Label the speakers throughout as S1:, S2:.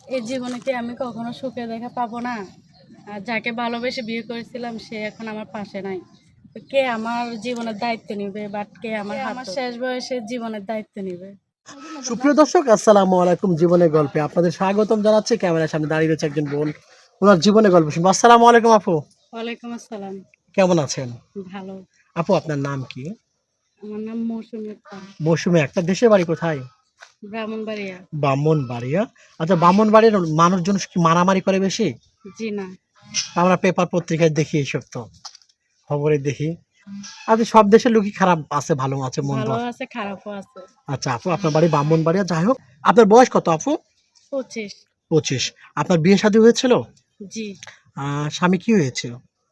S1: এই জীবনে কি আমি কখনো সুখে দেখা পাবো না? আর যাকে ভালোবেসে বিয়ে করেছিলাম সে এখন আমার পাশে নাই। তো কে আমার জীবনের দায়িত্ব নিবে? বাট কে আমার শেষ বয়সে জীবনের দায়িত্ব নিবে?
S2: সুপ্রিয় দর্শক, আসসালামু আলাইকুম। জীবনের গল্পে আপনাদের স্বাগতম জানাচ্ছি। ক্যামেরার সামনে দাঁড়িয়ে রয়েছে একজন বোন, ওনার জীবনের গল্প শুনবো। আসসালামু আলাইকুম আপু,
S1: ওয়ালাইকুম আসসালাম।
S2: কেমন আছেন?
S1: ভালো।
S2: আপু আপনার নাম কি?
S1: আমার নাম মৌসুমী আক্তার।
S2: মৌসুমী আক্তার। দেশের বাড়ি কোথায়?
S1: ব্রাহ্মণবাড়িয়া।
S2: ব্রাহ্মণবাড়িয়া। আচ্ছা, ব্রাহ্মণবাড়ির মানুষজন কি মারামারি করে বেশি?
S1: জি না।
S2: আমরা পেপার পত্রিকায় দেখি, এইসব তো খবরে দেখি। আচ্ছা, সব দেশের লোকই খারাপ আছে, ভালো আছে, মন্দ
S1: ভালো
S2: আছে।
S1: আছে, খারাপও আছে।
S2: আচ্ছা আপু, আপনার বাড়ি ব্রাহ্মণবাড়িয়া। যাই হোক, আপনার বয়স কত আপু?
S1: 25।
S2: 25। আপনার বিয়ে শাদী হয়েছিল?
S1: জি।
S2: স্বামী কি হয়েছিল?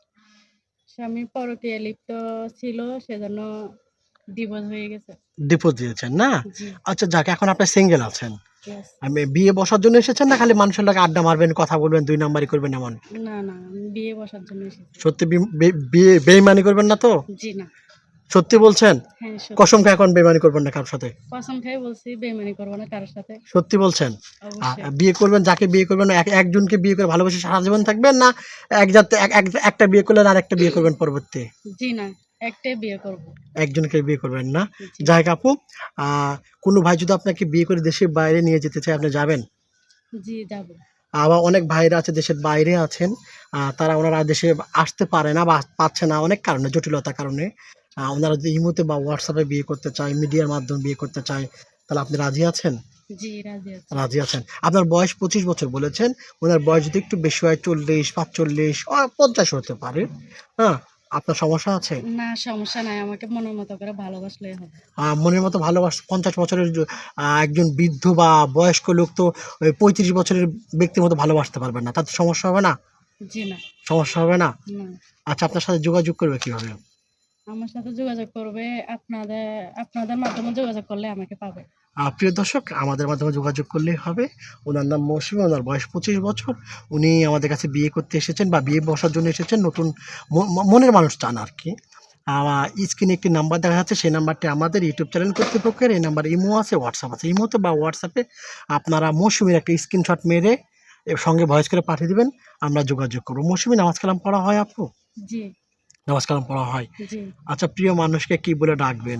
S1: স্বামী পরকীয়ায় লিপ্ত ছিল, সেজন্য ডিভোর্স হয়ে গেছে।
S2: ডিভোর্স দিয়েছেন না?
S1: জি।
S2: আচ্ছা যাক, এখন আপনি সিঙ্গেল আছেন।
S1: ইয়েস।
S2: আমি বিয়ে বসার জন্য এসেছেন, না খালি মানুষের লগে আড্ডা মারবেন, কথা বলবেন, দুই নাম্বারই করবেন এমন?
S1: না, না, আমি বিয়ে বসার জন্য এসেছি।
S2: সত্যি বিয়ে বেইমানি করবেন না তো?
S1: জি না।
S2: সত্যি বলছেন?
S1: হ্যাঁ, সত্যি।
S2: কসম খেয়ে এখন বেইমানি করবেন না কারোর সাথে?
S1: কসম খেয়ে বলছি বেইমানি করবো না কারোর সাথে।
S2: সত্যি বলছেন?
S1: অবশ্যই।
S2: বিয়ে করবেন, যাকে বিয়ে করবেন একজনকে বিয়ে করে ভালোবেসে সারা জীবন থাকবেন, না এক জাতে একটা বিয়ে করলেন আর একটা বিয়ে করবেন পরবর্তী?
S1: জি না, একটাই বিয়ে করব।
S2: একজনকে বিয়ে করবেন না?
S1: জি।
S2: যাই হোক আপু, কোনো ভাই যদি আপনাকে বিয়ে করে দেশের বাইরে নিয়ে যেতে চায়, আপনি যাবেন?
S1: জি, যাব।
S2: আবার অনেক ভাইরা আছে দেশের বাইরে আছেন, তারা ওনারা দেশে আসতে পারে না বা পাচ্ছে না অনেক কারণে, জটিলতার কারণে। ওনারা যদি ইমোতে বা হোয়াটসঅ্যাপে বিয়ে করতে চায়, মিডিয়ার মাধ্যমে বিয়ে করতে চায়, তাহলে আপনি রাজি আছেন?
S1: জি, রাজি আছি।
S2: রাজি আছেন। আপনার বয়স 25 বছর বলেছেন। ওনার বয়স যদি একটু বেশি হয়, 40, 45, 50 হতে পারে। হ্যাঁ? আপনার সমস্যা আছে?
S1: না, সমস্যা নাই। আমাকে মনের মতো করে ভালোবাসলেই হবে।
S2: মনের মতো ভালোবাসা 50 বছরের একজন বৃদ্ধ বা বয়স্ক লোক তো ওই 35 বছরের ব্যক্তির মতো ভালোবাসতে পারবেন না। তাতে সমস্যা হবে না?
S1: জি না।
S2: সমস্যা হবে না?
S1: না।
S2: আচ্ছা, আপনার সাথে যোগাযোগ করবে কিভাবে?
S1: আমার সাথে যোগাযোগ করবে আপনাদের আপনাদের মাধ্যমে যোগাযোগ করলে আমাকে পাবে।
S2: প্রিয় দর্শক, আমাদের মাধ্যমে যোগাযোগ করলেই হবে। উনার নাম মৌসুমী, উনার বয়স 25 বছর। উনি আমাদের কাছে বিয়ে করতে এসেছেন বা বিয়ে বসার জন্য এসেছেন। নতুন মনের মানুষ চান আরকি। স্ক্রিনে একটি নাম্বার দেখা যাচ্ছে, সেই নাম্বারটি আমাদের ইউটিউব চ্যানেল কর্তৃপক্ষের। এই নাম্বারে ইমো আছে, হোয়াটসঅ্যাপ আছে। ইমোতে বা হোয়াটসঅ্যাপে আপনারা মৌসুমীর একটা স্ক্রিনশট মেরে এর সঙ্গে ভয়েস করে পাঠিয়ে দিবেন, আমরা যোগাযোগ করব। মৌসুমী, নামাজ কালাম পড়া হয় আপু?
S1: জি।
S2: নামাজ কালাম পড়া হয়।
S1: জি।
S2: আচ্ছা, প্রিয় মানুষকে কি বলে ডাকবেন?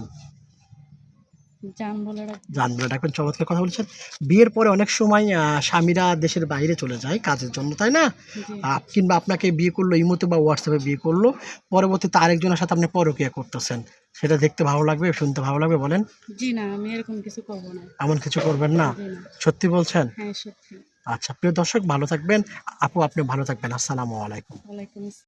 S1: জান বলে রাখবো।
S2: জান বলে ডাকবেন। চমৎকার কথা বলেছেন। বিয়ের পরে অনেক সময় স্বামীরা দেশের বাইরে চলে যায় কাজের জন্য, তাই না?
S1: জি।
S2: কিংবা আপনাকে বিয়ে করলো ইমোতে বা হোয়াটসঅ্যাপে বিয়ে করলো। পরবর্তীতে আরেকজনের সাথে আপনি পরকীয়া করতেছেন। সেটা দেখতে ভালো লাগবে, শুনতে ভালো লাগবে বলেন?
S1: জি না, আমি এরকম কিছু করব না।
S2: এমন কিছু করবেন না?
S1: জি না।
S2: সত্যি বলছেন?
S1: হ্যাঁ, সত্যি।
S2: আচ্ছা, প্রিয় দর্শক ভালো থাকবেন। আপু আপনি ভালো থাকবেন। আসসালামু আলাইকুম।
S1: ওয়ালাইকুম আসসালাম।